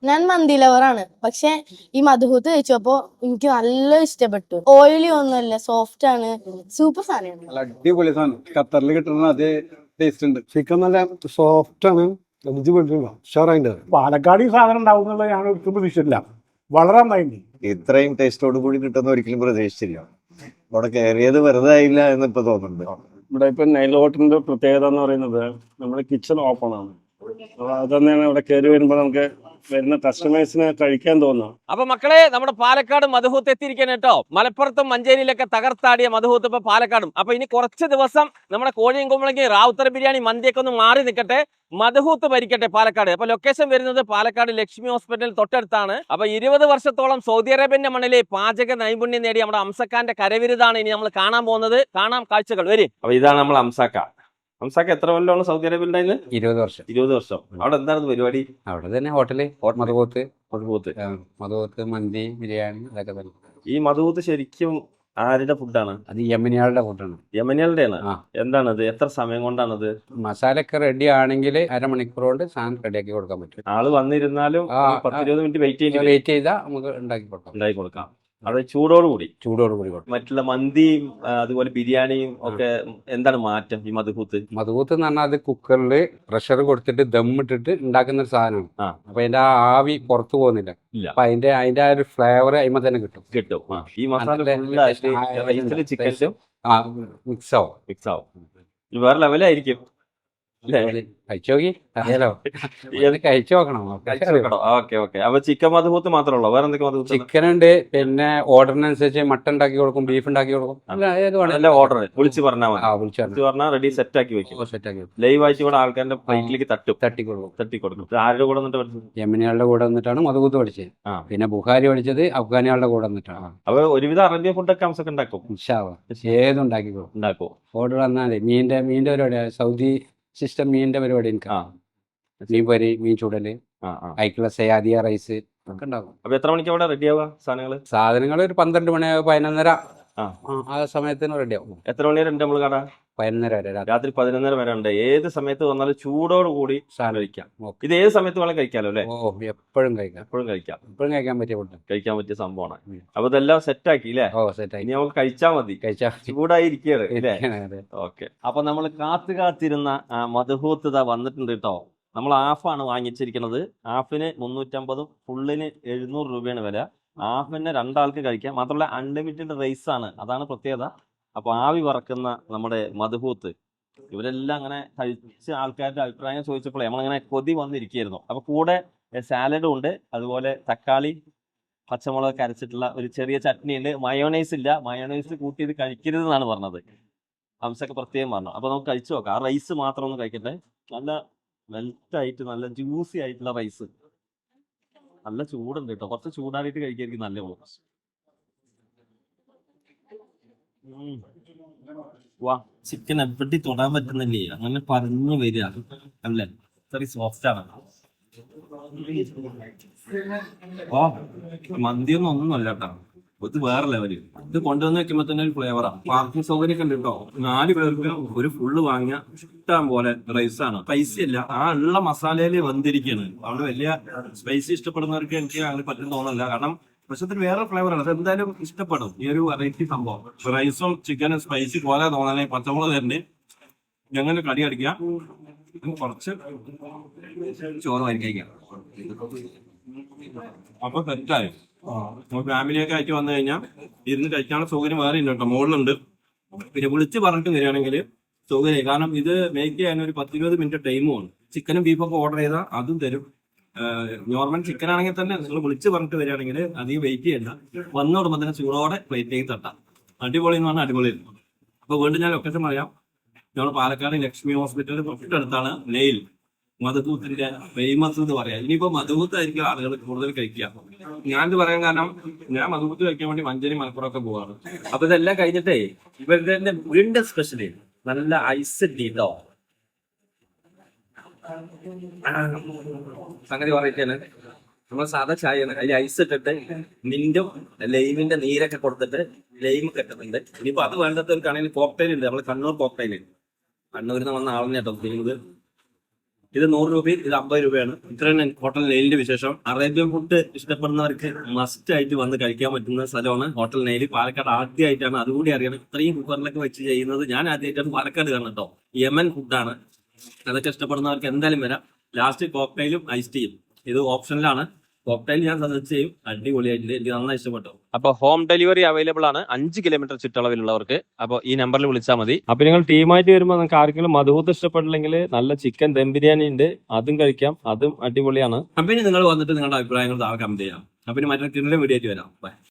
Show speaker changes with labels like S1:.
S1: ഞാൻ മന്തി ലവറാണ്. പക്ഷെ ഈ മധുഹൂത്ത് കഴിച്ചപ്പോ എനിക്ക് നല്ല ഇഷ്ടപ്പെട്ടു. ഓയിലി ഒന്നുമല്ല, സോഫ്റ്റ് ആണ്, സൂപ്പർ സാധനമാണ്.
S2: നല്ല അടിപൊളി സാധനം. ഖത്തറിൽ കിട്ടുന്ന അതേ ടേസ്റ്റ് ഉണ്ട്. ചിക്കൻ നല്ല സോഫ്റ്റ് ആണ്, ഉഷാറായിട്ട്.
S3: പാലക്കാട് ഈ സാധനം ഉണ്ടാവും എന്നുള്ളത് ഞാൻ ഒരിക്കലും പ്രതീക്ഷിച്ചില്ല. വളരെ നന്നായി.
S4: ഇത്രയും ടേസ്റ്റോട് കൂടി കിട്ടുന്ന ഒരിക്കലും പ്രതീക്ഷിച്ചില്ല. ഇവിടെ കയറിയത് വെറുതെ ആയില്ല എന്ന് ഇപ്പൊ തോന്നുന്നുണ്ട്.
S3: ഇവിടെ ഇപ്പൊ നൈൽ ഹോട്ടലിന്റെ പ്രത്യേകത എന്ന് പറയുന്നത് നമ്മുടെ കിച്ചൺ ഓപ്പൺ ആണ്. അപ്പൊ അത് തന്നെയാണ് ഇവിടെ കയറി വരുമ്പോൾ നമുക്ക് വരുന്ന കസ്റ്റമേഴ്സിന് കഴിക്കാൻ തോന്നുന്നു.
S5: അപ്പൊ മക്കളെ, നമ്മുടെ പാലക്കാട് മധുഹൂത്ത് എത്തിയിരിക്കാൻ കേട്ടോ. മലപ്പുറത്തും മഞ്ചേരിയിലൊക്കെ തകർത്താടിയ മധുഹൂത്ത് ഇപ്പൊ പാലക്കാടും. അപ്പൊ ഇനി കുറച്ച് ദിവസം നമ്മുടെ കോഴിയും കുമ്പളങ്ങി റാവുത്തർ ബിരിയാണി മന്തിയൊക്കെ ഒന്ന് മാറി നിൽക്കട്ടെ, മധുഹൂത്ത് ഭരിക്കട്ടെ പാലക്കാട്. അപ്പൊ ലൊക്കേഷൻ വരുന്നത് പാലക്കാട് ലക്ഷ്മി ഹോസ്പിറ്റൽ തൊട്ടടുത്താണ്. അപ്പൊ 20 വർഷത്തോളം സൗദി അറേബ്യന്റെ മണ്ണിലെ പാചക നൈപുണ്യം നേടി നമ്മുടെ അംസക്കാന്റെ കരവിരുതാണ് ഇനി നമ്മൾ കാണാൻ പോകുന്നത്. കാണാം കാഴ്ചകൾ വരും. അപ്പൊ ഇതാണ് നമ്മൾ അംസക്ക. അംസക്ക എത്ര കൊല്ലമാണ് സൗദി അറേബ്യ ഉണ്ടായിരുന്നത്?
S6: 20 വർഷം.
S5: 20 വർഷം. അവിടെ എന്താണ് പരിപാടി?
S6: അവിടെ തന്നെ ഹോട്ടല് മധുഹൂത്ത്,
S5: മധുഹൂത്ത്
S6: മന്തി, ബിരിയാണി, അതൊക്കെ തന്നെ.
S5: ഈ മധുഹൂത്ത് ശരിക്കും ആരുടെ ഫുഡാണ്?
S6: അത് യമനികളുടെ ഫുഡാണ്.
S5: യമനികളുടെയാണ്. എന്താണത്? എത്ര സമയം കൊണ്ടാണത്?
S6: മസാല ഒക്കെ റെഡി ആണെങ്കിൽ അരമണിക്കൂർ കൊണ്ട് സാധനം റെഡിയാക്കി കൊടുക്കാൻ പറ്റും.
S5: ആള് വന്നിരുന്നാലും 10-20 മിനിറ്റ് വെയിറ്റ്
S6: ചെയ്താൽ നമുക്ക് ഉണ്ടാക്കി
S5: കൊടുക്കാം. അത് ചൂടോടുകൂടി
S6: കൊടുക്കും.
S5: മറ്റുള്ള മന്തിയും അതുപോലെ ബിരിയാണിയും ഒക്കെ എന്താണ് മാറ്റം ഈ മധുഹൂത്ത്?
S6: മധുഹൂത്ത് എന്ന് പറഞ്ഞാൽ അത് കുക്കറിൽ പ്രഷർ കൊടുത്തിട്ട് ദമ്മിട്ടിട്ട് ഉണ്ടാക്കുന്ന ഒരു സാധനമാണ്. അപ്പൊ അതിന്റെ ആ ആവി പുറത്തു പോകുന്നില്ല. അപ്പൊ അതിന്റെ ആ ഒരു ഫ്ലേവർ അതിമ തന്നെ കിട്ടും.
S5: ഈ മസാല
S6: മിക്സ് ആവും.
S5: വേറെ ലെവലായിരിക്കും.
S6: കഴിച്ചു നോക്കണം.
S5: അപ്പൊ ചിക്കൻ മധുഹൂത്ത് മാത്രമേ ഉള്ളൂ? വേറെ എന്തൊക്കെ മധുഹൂത്ത്?
S6: ചിക്കൻ ഉണ്ട്, പിന്നെ ഓർഡറിനനുസരിച്ച് മട്ടൺ ഉണ്ടാക്കി കൊടുക്കും, ബീഫ് ഉണ്ടാക്കി കൊടുക്കും.
S5: ഓർഡർ വിളിച്ച് പറഞ്ഞാൽ പറഞ്ഞാൽ റെഡി സെറ്റ് ആക്കി വെക്കും. ലൈവ് ആയിട്ട് കൂടെ ആൾക്കാരുടെ പ്ലേറ്റിലേക്ക് തട്ടി കൊടുക്കും. ആരുടെ കൂടെ വന്നിട്ട്?
S6: യമനികളുടെ കൂടെ വന്നിട്ടാണ് മധുഹൂത്ത് പഠിച്ചത്. പിന്നെ ബുഖാരി പഠിച്ചത് അഫ്ഗാനികളുടെ കൂടെ വന്നിട്ടാണ്.
S5: അപ്പൊ ഒരുവിധ അറേബ്യൻ ഫുഡൊക്കെ അംസൊക്കെ ഉണ്ടാക്കും.
S6: ഏതും ഉണ്ടാക്കി കൊടുക്കും. ഓർഡർ വന്നാലേ മീൻ്റെ പരിപാടി, സൗദി സിസ്റ്റം മീനിന്റെ പരിപാടി എനിക്ക്. മീൻ പൊരി, മീൻ ചൂടല്, അയക്കുള്ള സയാദിയ റൈസ് ഒക്കെ ഉണ്ടാകും.
S5: അപ്പൊ എത്ര മണിക്ക് അവിടെ റെഡി ആവുക
S6: സാധനങ്ങൾ? ഒരു 12 മണി 11:30 ആ സമയത്തിന് റെഡി ആവും.
S5: എത്ര മണി വരെ ഉണ്ട് നമ്മൾ കട?
S6: 11:30 വരെ.
S5: രാത്രി 11:30 വരെ ഉണ്ട്. ഏത് സമയത്ത് വന്നാലും ചൂടോട് കൂടി സാധനം കഴിക്കാം. ഇത് ഏത് സമയത്ത് വേണം കഴിക്കാലോ അല്ലേ?
S6: എപ്പോഴും കഴിക്കാൻ
S5: പറ്റിയ സംഭവമാണ്. അപ്പൊ ഇതെല്ലാം സെറ്റ് ആക്കി അല്ലേ? ഇനി നമുക്ക് കഴിച്ചാൽ മതി. ചൂടായിരിക്കുകയാണ് അല്ലേ? ഓക്കെ. അപ്പൊ നമ്മൾ കാത്തിരുന്ന മധുഹൂത്ത് വന്നിട്ടുണ്ട് കേട്ടോ. നമ്മൾ ഹാഫാണ് വാങ്ങിച്ചിരിക്കുന്നത്. ഹാഫിന് 350, ഫുള്ളിന് 700 രൂപയാണ് വില. ഹാഫിന് 2 ആൾക്ക് കഴിക്കാം. മാത്രമല്ല അൺലിമിറ്റഡ് റൈസ് ആണ്, അതാണ് പ്രത്യേകത. അപ്പൊ ആവി വറക്കുന്ന നമ്മുടെ മധുഹൂത്ത് ഇവരെല്ലാം അങ്ങനെ കഴിച്ച ആൾക്കാരുടെ അഭിപ്രായം ചോദിച്ചപ്പോൾ നമ്മളിങ്ങനെ കൊതി വന്നിരിക്കുകയായിരുന്നു. അപ്പൊ കൂടെ സാലഡും ഉണ്ട്, അതുപോലെ തക്കാളി പച്ചമുളക് അരച്ചിട്ടുള്ള ഒരു ചെറിയ ചട്നി ഉണ്ട്. മയോണൈസ് ഇല്ല, മയോണൈസ് കൂട്ടി ഇത് കഴിക്കരുത് എന്നാണ് പറഞ്ഞത്. ഹംസൊക്കെ പ്രത്യേകം പറഞ്ഞു. അപ്പൊ നമുക്ക് കഴിച്ചു നോക്കാം. ആ റൈസ് മാത്രം ഒന്ന് കഴിക്കട്ടെ. നല്ല വെൽറ്റായിട്ട് നല്ല ജ്യൂസി ആയിട്ടുള്ള റൈസ്. നല്ല ചൂടുണ്ട് കേട്ടോ. കുറച്ച് ചൂടാറിയിട്ട് കഴിക്കായിരിക്കും നല്ല ഉള്ളു. വാ, ചിക്കൻ എവിടെ തൊടാൻ പറ്റുന്നില്ലേ, അങ്ങനെ പറഞ്ഞു വരിക അല്ലേ? ഇത്രയും സോഫ്റ്റ് ആണ്. മന്തിയൊന്നും ഒന്നുമല്ല കേട്ടോ, ഇത് വേറെ ലെവല്. ഇത് കൊണ്ടുവന്ന് വെക്കുമ്പോ തന്നെ ഒരു ഫ്ലേവറാണ്. പാർക്കിംഗ് സൗകര്യം ഒക്കെ ഉണ്ട് കേട്ടോ. 4 പേർക്ക് ഒരു ഫുള്ള് വാങ്ങിയ ഇഷ്ടം പോലെ റൈസാണ്. സ്പൈസി അല്ല, ആ ഉള്ള മസാലയില് വന്നിരിക്കുകയാണ്. അവിടെ വലിയ സ്പൈസി ഇഷ്ടപ്പെടുന്നവർക്ക് എനിക്ക് അങ്ങനെ പറ്റും തോന്നില്ല. കാരണം പക്ഷെ വേറെ ഫ്ലേവറാണ്. അത് എന്തായാലും ഇഷ്ടപ്പെടും ഈ ഒരു വെറൈറ്റി സംഭവം. റൈസും ചിക്കനും സ്പൈസി പോലെ തോന്നാനേ പച്ചമുളക് തന്നെ ഞങ്ങൾ കടി അടിക്കുക. കുറച്ച് ചോറ് കഴിക്കാം. അപ്പൊ സെറ്റായി. ഫാമിലിയൊക്കെ ആയിട്ട് വന്നു കഴിഞ്ഞാൽ ഇരുന്ന് കഴിക്കാനുള്ള സൗകര്യം വേറെ ഉണ്ട് കേട്ടോ, മുകളിലുണ്ട്. പിന്നെ വിളിച്ച് പറഞ്ഞിട്ട് വരികയാണെങ്കിൽ സൗകര്യം. കാരണം ഇത് മേക്ക് ചെയ്യാൻ ഒരു 10-20 മിനിറ്റ് ടൈമുമാണ്. ചിക്കനും ബീഫൊക്കെ ഓർഡർ ചെയ്താൽ അതും തരും. നോർമൽ ചിക്കൻ ആണെങ്കിൽ തന്നെ നിങ്ങൾ വിളിച്ച് പറഞ്ഞിട്ട് വരികയാണെങ്കിൽ അധികം വെയിറ്റ് ചെയ്യണ്ട. വന്നോടുമ്പോൾ തന്നെ ചൂടോടെ പ്ലേറ്റിലേക്ക് തട്ടാം. അടിപൊളി എന്ന് പറഞ്ഞാൽ അടിപൊളി. അപ്പോൾ വീണ്ടും ഞാൻ ലൊക്കേഷൻ പറയാം. നമ്മൾ പാലക്കാട് ലക്ഷ്മി ഹോസ്പിറ്റലിൽ തൊട്ടടുത്താണ് നെയിൽ മധുഹൂത്തിന്റെ ഫേമസ് എന്ന് പറയാം. ഇനിയിപ്പോ മധുഹൂത്തായിരിക്കും ആളുകൾ കൂടുതൽ കഴിക്കുക. ഞാനിത് പറയാൻ കാരണം ഞാൻ മധുഹൂത്ത് കഴിക്കാൻ വേണ്ടി മഞ്ചേരി മലപ്പുറം ഒക്കെ പോവാണ്. അപ്പൊ ഇതെല്ലാം കഴിഞ്ഞിട്ടേ ഇവരുടെ വീടിന്റെ സ്പെഷ്യല് നല്ല ഐസ് ടീട്ടോ സംഗതി പറയിട്ടാണ്. നമ്മൾ സാധാ ചായയാണ്, അതിൽ ഐസ് ഇട്ടിട്ട് മിന്റും ലൈമിന്റെ നീരൊക്കെ കൊടുത്തിട്ട് ലൈം കെട്ടുന്നുണ്ട്. ഇനിയിപ്പോ അത് വേണ്ടത് ഒരു കണയിൽ കോക്ടൈൽ ഉണ്ട്, നമ്മള് കണ്ണൂർ കോക്ടൈൽ. കണ്ണൂരിൽ നിന്ന് വന്ന ആളിനെ കേട്ടോ ചെയ്യുന്നത്. ഇത് 100 രൂപയും ഇത് 50 രൂപയാണ്. ഇത്രയാണ് ഹോട്ടൽ നെയിലിന്റെ വിശേഷം. അറേബ്യൻ ഫുഡ് ഇഷ്ടപ്പെടുന്നവർക്ക് മസ്റ്റ് ആയിട്ട് വന്ന് കഴിക്കാൻ പറ്റുന്ന സ്ഥലമാണ് ഹോട്ടൽ നെയിൽ. പാലക്കാട് ആദ്യമായിട്ടാണ്, അതുകൂടി അറിയണം, ഇത്രയും കുക്കറിലൊക്കെ വെച്ച് ചെയ്യുന്നത്. ഞാൻ ആദ്യമായിട്ടാണ് പാലക്കാട് കാണുന്നത് കേട്ടോ. യമൻ ഫുഡാണ്. അതൊക്കെ ഇഷ്ടപ്പെടുന്നവർക്ക് എന്തായാലും വരാം. ലാസ്റ്റ് കോക്ടൈലും ഐസ് ടീയും ഇത് ഓപ്ഷനിലാണ്. കോക്ടൈൽ ഞാൻ സജസ്റ്റ് ചെയ്യും, അടിപൊളിയായിട്ടുണ്ട്, എനിക്ക് നന്നായി ഇഷ്ടപ്പെട്ടു. അപ്പൊ ഹോം ഡെലിവറി അവൈലബിൾ ആണ് 5 കിലോമീറ്റർ ചുറ്റളവിലുള്ളവർക്ക്. അപ്പോൾ ഈ നമ്പറിൽ വിളിച്ചാൽ മതി. അപ്പൊ നിങ്ങൾ ടീമായിട്ട് വരുമ്പോൾ നിങ്ങൾക്ക് ആർക്കെങ്കിലും മധുഹൂത്ത് ഇഷ്ടപ്പെട്ടില്ലെങ്കിൽ നല്ല ചിക്കൻ ദം ബിരിയാണി ഉണ്ട്, അതും കഴിക്കാം, അതും അടിപൊളിയാണ്. അപ്പൊ ഇനി നിങ്ങൾ വന്നിട്ട് നിങ്ങളുടെ അഭിപ്രായങ്ങൾ താഴെ കമന്റ് ചെയ്യാം. അപ്പൊ ഇനി മറ്റൊരു വീഡിയോ ആയിട്ട് വരാം. ബൈ.